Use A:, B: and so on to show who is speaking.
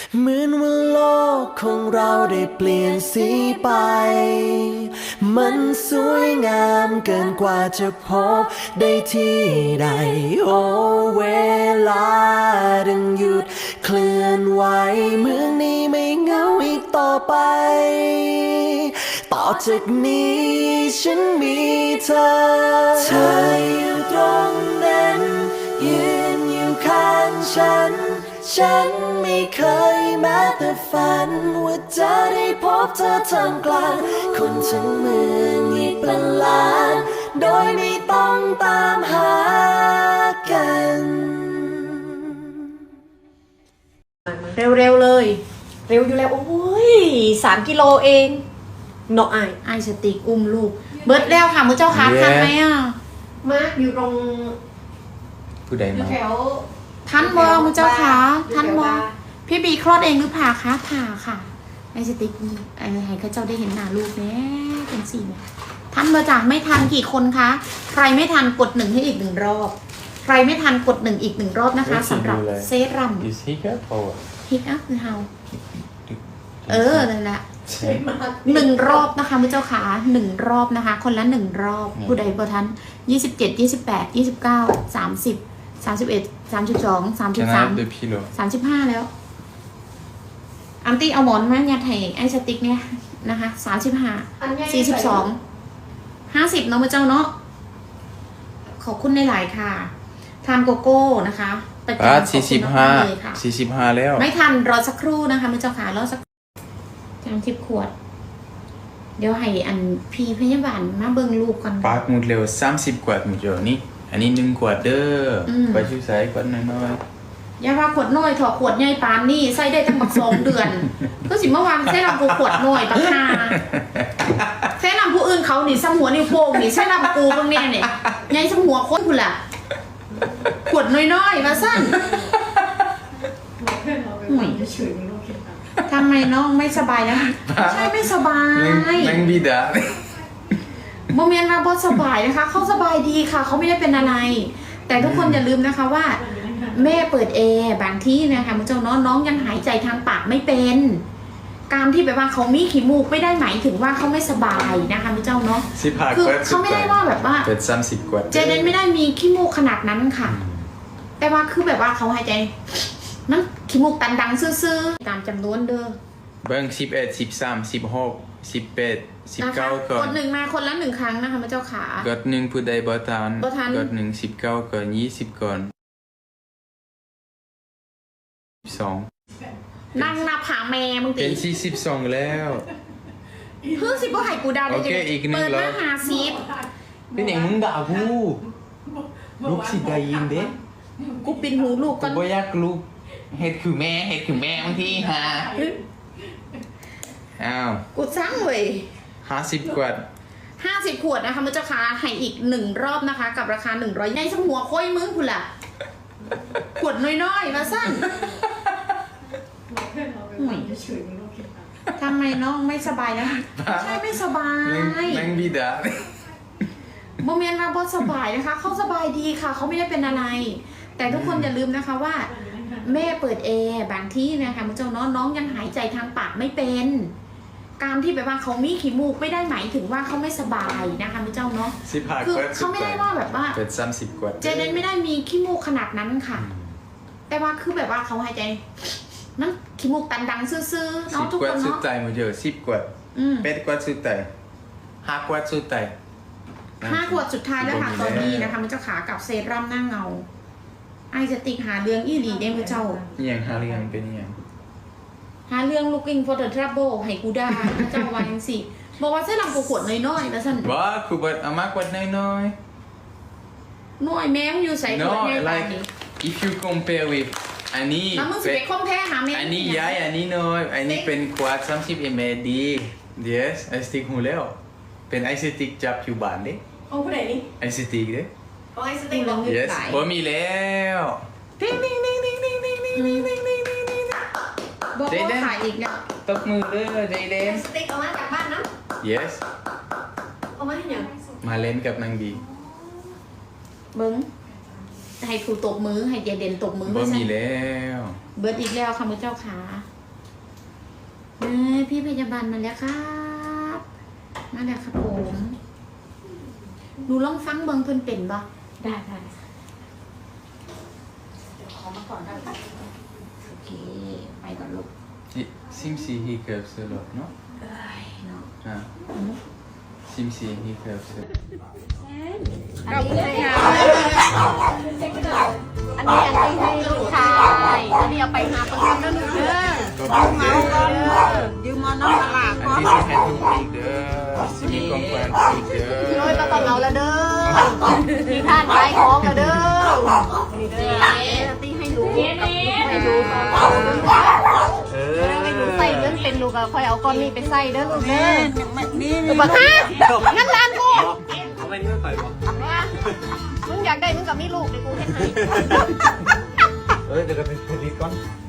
A: เหมือนว่าโลกของเราได้เปลี่ยนสีไป มันสวยงามเกินกว่าจะพบได้ที่ใด โอ้เวลาดังหยุดเคลื่อนไหวเมืองนี้ไม่เหงาอีกต่อไป ต่อจากนี้ฉันมีเธอ เธออยู่ตรงนั้นยืนอยู่ข้างฉัน ฉันไม่เคยแม้แต่ฝันว่าจะได้พบเธอท่ามกลางคนทั้งเมืองอีกเป็นล้าน โดยไม่ต้องตามหากัน
B: เร็วๆเลย เร็วอยู่แล้ว โอ้ย3 กิโลเองเนาะไอสติกอุ้มลูก เบิร์ดแล้วค่ะมือเจ้าค่ะทันไหมอ่ะมาอยู่ตรง
C: ผู้ใด
B: อยู่
C: มา
B: แถว
D: ทันบอมือเจ้าค่ะทันบอพี่บีคลอดเองหรือผ่าคะผ่าค่ะไอสติ๊กไอให้เขาเจ้าได้เห็นหน้าลูกแน่เป็นสี่เนี่ยทันเบอร์จ่าไม่ทันกี่คนคะใครไม่ทันกด1ให้อีก1 รอบใครไม่ทันกด1อีก1 รอบนะคะสำหรับเซรั่ม
C: Is hiccup or what?
D: ฮิกอัพคือเฮานั่นแหละ
B: มาก
D: 1 รอบนะคะมือเจ้าขา1 รอบนะคะ คนละ1 รอบผู้ใดเบอร์ทัน27 28 29 30 31 32
C: Can I have the
D: 33
C: pillow?
D: 35แล้วอันตี้เอาหมอนมายัดให้ไอ้สติ๊กเนี่ยนะคะ35
B: อันใหญ่
D: 42 50เนาะมือเจ้าเนาะขอบคุณในหลายๆค่ะทานโกโก้นะคะประจำขอบคุณมากๆเลยค่ะ
C: 45แล้ว
D: ไม่ทันรอสักครู่นะคะมือเจ้าค่ะรอสัก30 ขวด เดี๋ยวให้อันพี่พยาบาลมาเบิ่งลูกก่อน
C: ปากหมดเร็ว30 ขวดหมดเดี๋ยวนี้อันนี้1 ขวดเด้อไปชื่อสายขวดน้อย
D: อย่าว่าขวดน้อยถอดขวดใหญ่ปานนี่ใส่ได้ตั้งบัก2 เดือน ก็สิเมื่อวานใส่ลำกูขวดน้อยบัก5ใส่ลำผู้อื่นเขานี่สมหัวนิ้วโป้งนี่ใส่ลำกูเบิ่งแน่นี่ใหญ่สมหัวคนพุ่นล่ะขวดน้อยๆมาสั้นห่วยทำไมน้องไม่สบายนะใช่ไม่สบาย
C: ๆนั่งบิดา
D: โมเมนต์มาบอสบายนะคะเขาสบายดีค่ะเขาไม่ได้เป็นอะไร แต่ทุกคนอย่าลืมนะคะว่า แม่เปิดแอร์บางที่นะคะมุเจ้าน้องยังหายใจทางปากไม่เป็น การที่แบบว่าเขามีขี้มูกไม่ได้หมายถึงว่าเขาไม่สบายนะคะมุเจ้าเนาะ
C: 15
D: คือ
C: ขวด
D: เขาไม่ได้ว่าแบบว่า
C: เป็น30 ขวด
D: เจเดนไม่ได้มีขี้มูกขนาดนั้นค่ะ แต่ว่าคือแบบว่าเขาหายใจมันขี้มูกตันดังซื่อๆตามจำนวนเด้อ
C: เบิ่ง11 13 16 18
D: นะคะ
C: 19ก่อก น
D: ด1มาคนละ1 ครั้งนะคะมุเจ้าขาก
C: ด1ผู้ใดบ่ทัน
D: บ่ทัน
C: กด1 19ก่อน20ก่อน2
D: นั่งนับหาแม่มึง
C: เป็
D: ตี
C: น42แล้ว
D: เพิ่งสิบ่ให้กูดาวได้
C: โอเคอีกหนึ่ง
D: เปิด
C: แล้
D: มาว หาซีฟ
C: เป็นอย่างมึงด่ากูลูกสิได้ยินเด้
D: กูปินหูลูก
C: กู
D: ก่อน
C: บ่อยากลูกเฮ็ดคือแม่บางทีหาอ้าว
D: กูสร้างเว้ย
C: 50 กว่า
D: 50 ขวดนะคะมันจะคาให้อีก1 รอบนะคะ กับราคา100ในสมหัวค่อยมึงคุณล่ะ ขวดน้อยๆมาสั้นห่วยทำไมน้องไม่สบายนะใช่ไม่สบาย
C: นั่งบิดา
D: โมเมนต์มาบอสบายนะคะเขาสบายดีค่ะเขาไม่ได้เป็นอะไร แต่ทุกคนอย่าลืมนะคะว่า แม่เปิดแอร์บางที่นะคะมุเจ้าน้องยังหายใจทางปากไม่เป็น การที่แบบว่าเขามีขี้มูกไม่ได้หมายถึงว่าเขาไม่สบายนะคะมุเจ้าเนาะ
C: 15
D: คือก
C: ว่า
D: เขาไม่ได้ว่าแบบว่า
C: เป็น30 กว่า
D: เจเดนไม่ได้มีขี้มูกขนาดนั้นค่ะ แต่ว่าคือแบบว่าเขาหายใจมันขี้มูกตันดังซื่อๆเนาะทุก
C: 10 ก
D: ค
C: ว่าน สุด
D: เนาะ
C: ท้ายหมดเยอะ10 กว่า8 กว่าสุดท้าย5 กว่าสุดท้าย
D: 5 ขวดสุดท้ายแล้วค่ะตอนนี้นะคะมันจะขากับเซรั่มหน้าเงาไอสติกหาเรื่องอีหลีได้มือเจ้า
C: อหย่างหาเรื่องเป็นอหย่าง
D: หาเรื่อง looking for the trouble ให้กูได้นะเจ้าวันสิบอกว่าเส้นลำกูขวดน้อยๆแล้วสัน
C: ว่ากูบ่เอามากกว่าน้อย
D: น้อยแม่งอยู่ใส่ขวด
C: No
D: ใหญ่ปาน
C: like
D: นี้
C: if you compare with อันนี้
D: แล้วมึงสิไปคอมแพ้หาแม่ง
C: อันนี้ใหญ่อันนี้น้อยอันนี้เป็นขวด30 ml ดี yes ไอสติ๊กหูแล้วเป็นไอสติ๊กจับอยู่บ้านเด้
B: เอาผู้ใดนี่
C: ไอสติ๊กเด้
B: เอาไอสติ๊กลอง
C: yes บ่มีแล้ว
D: ติ๊งติ๊งติ๊งติ๊งติ๊งติ๊งติ๊งติ๊งติ๊งติ๊งติ๊งบอกว่าขายอีกเนี่ย
C: ตบมือเด้อใจเด่
B: ไอน สติ๊กเอามาจากบ้านนะ
C: yes
B: เอามาให้หยัง
C: มาเล่นกับนางบี
D: เบิ้งให้ครูตบมือให้เจเด่นตบมือ
C: บ่มีแล้ว
D: เบิร์ดอีกแล้วค่ะมือเจ้าขาพี่พยาบาลมาแล้วครับ มาแล้วครับผมหนูลองฟังเบิ่งเพิ่นเป็นบ่
B: ได้ได้
D: โอเค ไปก่อนลูก
C: Simsi hiccups a lot, no?
D: เนาะ
C: Ah. Simsi hiccups a lot.
B: อันนี้ให้ลูกชายอันนี้เอาไปหาประกันแล้วลูกเด้อยืมมาน้ำตลาด
C: And this is having big semi compound big
B: โอ้ยก็ต้องเอาละเด้อมีท่านขายของละเด้อนี่เด้อตีให้ดูให้ดูให้ดูใส่เงินเป็นลูกอะค่อยเอาก้อนนี้ไปใส่เด้อลูกเด้อบักฮะงั้นร้านกูมึงอยากได้มึงกับมีลูกเดี๋ยวกูให้ให้
C: เดี๋ยวเราไปผลิตก่อน